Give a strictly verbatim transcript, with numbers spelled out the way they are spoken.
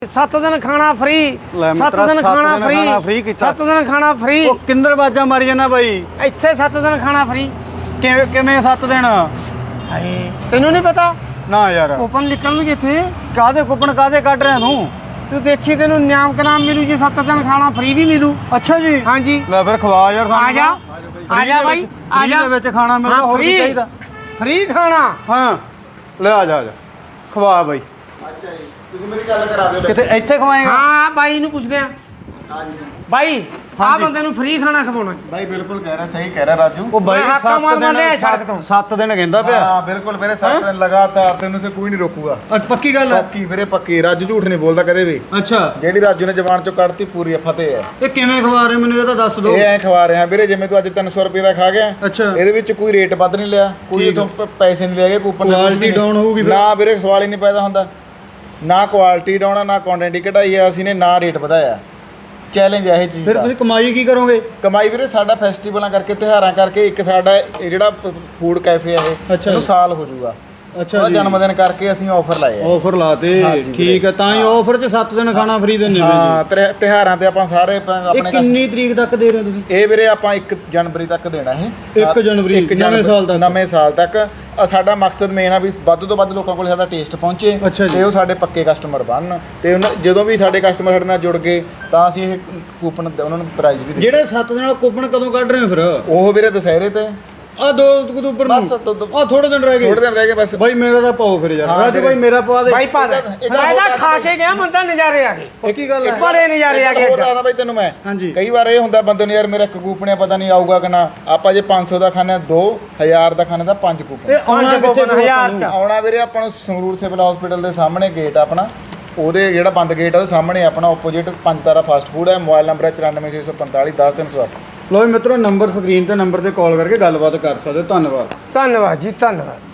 ਸੱਤ ਦਿਨ ਖਾਣਾ ਫ੍ਰੀ ਲੈ ਸੱਤ ਮਿੱਤਰਾ, ਦਿਨ ਸੱਤ ਖਾਣਾ ਦਿਨ ਫ੍ਰੀ ਖਾਣਾ free ਕੀਤਾ। ਸੱਤ ਦਿਨ ਖਾਣਾ ਫ੍ਰੀ ਉਹ ਕਿੰਦਰ ਬਾਜਾ ਮਾਰੀ ਜਾਣਾ ਬਾਈ। ਇੱਥੇ ਸੱਤ ਦਿਨ ਖਾਣਾ ਫ੍ਰੀ ਕਿਵੇਂ ਕਿਵੇਂ ਸੱਤ ਦਿਨ? ਹਾਏ ਤੈਨੂੰ ਨਹੀਂ ਪਤਾ ਨਾ ਯਾਰ, ਕੂਪਨ ਨਿਕਲਣਗੇ ਇੱਥੇ। ਕਾਦੇ ਕੁਪਨ ਕਾਦੇ ਕੱਢ ਰਿਹਾ ਤੂੰ? ਤੂੰ ਦੇਖੀ ਤੈਨੂੰ ਨਿਆਮ ਕਨਾਮ ਮਿਲੂ ਜੀ, ਸੱਤ ਦਿਨ ਖਾਣਾ ਫ੍ਰੀ ਵੀ ਮਿਲੂ। ਅੱਛਾ ਜੀ, ਹਾਂਜੀ ਲੈ ਫਿਰ ਖਵਾ ਯਾਰ ਸਾਨੂੰ। ਆ ਜਾ ਆ ਜਾ ਬਾਈ ਆ ਜਾ। ਦੇ ਵਿੱਚ ਖਾਣਾ ਮਿਲਦਾ, ਹੋਰ ਕੀ ਚਾਹੀਦਾ? ਫ੍ਰੀ ਖਾਣਾ। ਹਾਂ ਲੈ ਆ ਜਾ ਆ ਜਾ ਖਵਾ ਬਾਈ। ਅੱਛਾ ਜੀ, ਤੁਸੀਂ ਮੇਰੀ ਗੱਲ ਕਰਾ ਦਿਓ। ਕਿਤੇ ਇੱਥੇ ਖਵਾਏਗਾ? ਹਾਂ ਬਾਈ ਨੂੰ ਪੁੱਛਦੇ ਆ। ਹਾਂਜੀ ਬਾਈ ਆ ਹਾਂਜੀ। ਬੰਦੇ ਨੂੰ ਫ੍ਰੀ ਖਾਣਾ ਖਵਾਉਣਾ। ਬਾਈ ਬਿਲਕੁਲ ਕਹਿ ਰਿਹਾ, ਸਹੀ ਕਹਿ ਰਿਹਾ ਰਾਜੂ। ਉਹ ਬਾਈ ਮੈਂ ਹੱਕਾਂ ਮਾਰ ਮਾਰ ਲਿਆ ਸੜਕ ਤੋਂ। ਸੱਤ ਦਿਨ ਕਹਿੰਦਾ ਪਿਆ। ਹਾਂ ਬਿਲਕੁਲ ਵੀਰੇ, ਸੱਤ ਦਿਨ ਲਗਾਤਾਰ ਤੈਨੂੰ ਤੇ ਕੋਈ ਨਹੀਂ ਰੋਕੂਗਾ। ਅੱਛਾ ਪੱਕੀ ਗੱਲ ਹੈ? ਪੱਕੀ ਵੀਰੇ ਪੱਕੀ, ਰਾਜੂ ਝੂਠ ਨਹੀਂ ਬੋਲਦਾ ਕਦੇ ਵੀ। ਅੱਛਾ ਜਿਹੜੀ ਰਾਜੂ ਨੇ ਜ਼ਬਾਨ ਚੋਂ ਕੱਢਤੀ ਪੂਰੀ ਫਤਿਹ ਹੈ। ਇਹ ਕਿਵੇਂ ਖਵਾ ਰਹੇ ਮੈਨੂੰ ਇਹ ਤਾਂ ਦੱਸ ਦਿਓ। ਇਹ ਐ ਖਵਾ ਰਿਹਾ ਵੀਰੇ, ਜਿਵੇਂ ਤੂੰ ਅੱਜ ਤਿੰਨ ਸੌ ਰੁਪਏ ਦਾ ਖਾ ਗਿਆ। ਅੱਛਾ। ਇਹਦੇ ਵਿੱਚ ਕੋਈ ਰੇਟ ਵੱਧ ਨਹੀਂ ਲਿਆ, ਕੋਈ ਠੀਕ। ਇਥੋਂ ਪੈਸੇ ਨਹੀਂ ਲਏ, ਕੂਪਨ ਦੇ ਕੁਛ ਕੁਆਲਿਟੀ ਨਹੀਂ। ਡਾਊਨ ਹੋਊਗੀ ਫਿਰ? ਨਾ ਵੀਰੇ, ਸਵਾਲ ਹੀ ਨਹੀਂ ਪੈਦਾ ਹੁੰਦਾ। ਨਾ ਕੁਆਲਿਟੀ ਡਾਊਨ ਆ, ਨਾ ਕੁਆਂਟੀਟੀ ਘਟਾਈ ਆ ਅਸੀਂ ਨੇ, ਨਾ ਰੇਟ ਵਧਾਇਆ। ਚੈਲੰਜ ਹੈ ਇਹ ਚੀਜ਼ ਫਿਰ ਦਾ। ਤੁਸੀਂ ਕਮਾਈ ਕੀ ਕਰੋਗੇ? ਕਮਾਈ ਵੀਰੇ ਸਾਡਾ ਫੈਸਟੀਵਲਾਂ ਕਰਕੇ, ਤਿਉਹਾਰਾਂ ਕਰਕੇ, ਇੱਕ ਸਾਡਾ ਇਹ ਜਿਹੜਾ ਫੂਡ ਕੈਫੇ ਆ ਇਹ ਅੱਛਾ ਇਹਨੂੰ ਜੀ। ਸਾਲ ਹੋ ਜਾਊਗਾ। ਅੱਛਾ ਉਹਦਾ ਜੀ, ਜਨਮ ਦਿਨ ਕਰਕੇ ਅਸੀਂ ਆਫਰ ਲਾਏ ਆ। ਆਫਰ ਲਾਤੇ। ਹਾਂਜੀ ਵੀਰੇ। ਠੀਕ ਹੈ, ਤਾਂ ਹੀ ਆਫਰ 'ਚ ਸੱਤ ਦਿਨ ਖਾਣਾ ਫ੍ਰੀ ਦਿੰਦੇ ਹਾਂ, ਤਿਉ- ਤਿਉਹਾਰਾਂ ਤੇ ਆਪਾਂ ਸਾਰੇ ਪ- ਇਹ ਆਪਣੇ ਕਿੰਨੀ ਤਰੀਕ ਤੱਕ ਦੇ ਰਹੇ ਹੋ ਤੁਸੀਂ? ਇਹ ਵੀਰੇ ਆਪਾਂ ਇੱਕ ਜਨਵਰੀ ਤੱਕ ਦੇਣਾ ਇਹ। ਇੱਕ ਜਨਵਰੀ, ਇੱਕ ਨਵੇਂ ਸਾਲ ਤੱਕ। ਨਵੇਂ ਸਾਲ ਤੱਕ। ਅ, ਸਾਡਾ ਮਕਸਦ ਮੇਨ ਆ ਵੀ ਵੱਧ ਤੋਂ ਵੱਧ ਲੋਕਾਂ ਕੋਲ ਸਾਡਾ ਟੇਸਟ ਪਹੁੰਚੇ ਅੱਛਾ ਜੀ। ਤੇ ਉਹ ਸਾਡੇ ਪੱਕੇ ਕਸਟਮਰ ਬਣਨ। ਤੇ ਉਹਨਾਂ- ਜਦੋਂ ਵੀ ਸਾਡੇ ਕਸਟਮਰ ਸਾਡੇ ਨਾਲ ਜੁੜ ਗਏ ਤਾਂ ਅਸੀਂ ਇਹ ਕੂਪਨ ਉਹਨਾਂ ਨੂੰ ਪ੍ਰਾਈਜ਼ ਵੀ ਦੇ। ਜਿਹੜੇ ਸੱਤ ਦਿਨ ਵਾਲਾ ਕੂਪਨ ਕਦੋਂ ਕੱਢ ਰਹੇ ਹੋ ਫਿਰ? ਉਹ ਵੀਰੇ ਦੁਸਹਿਰੇ ਤੇ ਆ ਦੋ ਅਕਤੂਬਰ ਨੂੰ। ਬਸ ਦੋ- ਦੋ- ਆ ਥੋੜੇ ਦਿਨ ਰਹਿ ਗਏ। ਥੋੜੇ ਦਿਨ ਰਹਿ ਗਏ ਬਸ। ਬਾਈ ਮੇਰਾ ਤਾਂ ਪਾਓ ਫਿਰ ਯਾਰ। ਹਾਂ ਰਾਜੂ ਵੀਰੇ। ਬਾਈ ਮੇਰਾ ਪਵਾ ਦੇ। ਬਾਈ ਪਾ ਦੇ। ਇੱਕ- ਇੱਕ ਮੈਂ ਹੋਰ ਤਾਂ ਗੱਲ ਖਾ ਬਾਈ। ਕੇ ਗਿਆ, ਬੰਦਾ ਨਜ਼ਾਰੇ ਆ ਗਏ। ਪੱਕੀ ਗੱਲ ਹੈ? ਬੜੇ ਨਜ਼ਾਰੇ ਆ ਗਏ ਹੋਰ ਅੱਜ। ਦੱਸਦਾ ਬਾਈ ਤੈਨੂੰ ਮੈਂ। ਹਾਂਜੀ। ਕਈ ਵਾਰ ਇਹ ਹੁੰਦਾ ਬੰਦੇ ਨੂੰ, ਯਾਰ ਮੇਰਾ ਇੱਕ ਕੂਪਨ ਆ, ਪਤਾ ਨਹੀਂ ਆਊਗਾ ਕਿ ਨਾ। ਆਪਾਂ ਜੇ ਪੰਜ ਸੌ ਦਾ ਖਾਣਾ, ਦੋ ਹਜ਼ਾਰ ਦਾ ਖਾਣਾ ਤਾਂ ਪੰਜ ਕੂਪਨ। ਇਹ ਆਉਣਾ ਪੰਜ ਕਿੱਥੇ ਕੂਪਨ ਹਜ਼ਾਰ ਚ। ਆਉਣਾ ਵੀਰੇ ਆਪਾਂ ਨੂੰ ਸੰਗਰੂਰ ਸਿਵਲ ਹਸਪੀਟਲ ਦੇ ਸਾਹਮਣੇ ਗੇਟ ਆਪਣਾ, ਉਹਦੇ ਜਿਹੜਾ ਬੰਦ ਗੇਟ ਆ ਉਹਦੇ ਸਾਹਮਣੇ ਆਪਣਾ opposite Panj Tara fast food ਹੈ। ਮੋਬਾਈਲ ਨੰਬਰ ਹੈ ਚੁਰਾਨਵੇਂ ਛੇ ਸੌ ਪੰਤਾਲੀ ਦਸ ਤਿੰਨ ਸੌ ਅੱਠ। ਲੋ ਮਿੱਤਰੋ, ਨੰਬਰ ਸਕਰੀਨ ਤੇ ਨੰਬਰ ਤੇ ਕਾਲ ਕਰਕੇ ਗੱਲਬਾਤ ਕਰ ਸਕਦੇ ਹੋ। ਧੰਨਵਾਦ। ਧੰਨਵਾਦ ਜੀ, ਧੰਨਵਾਦ।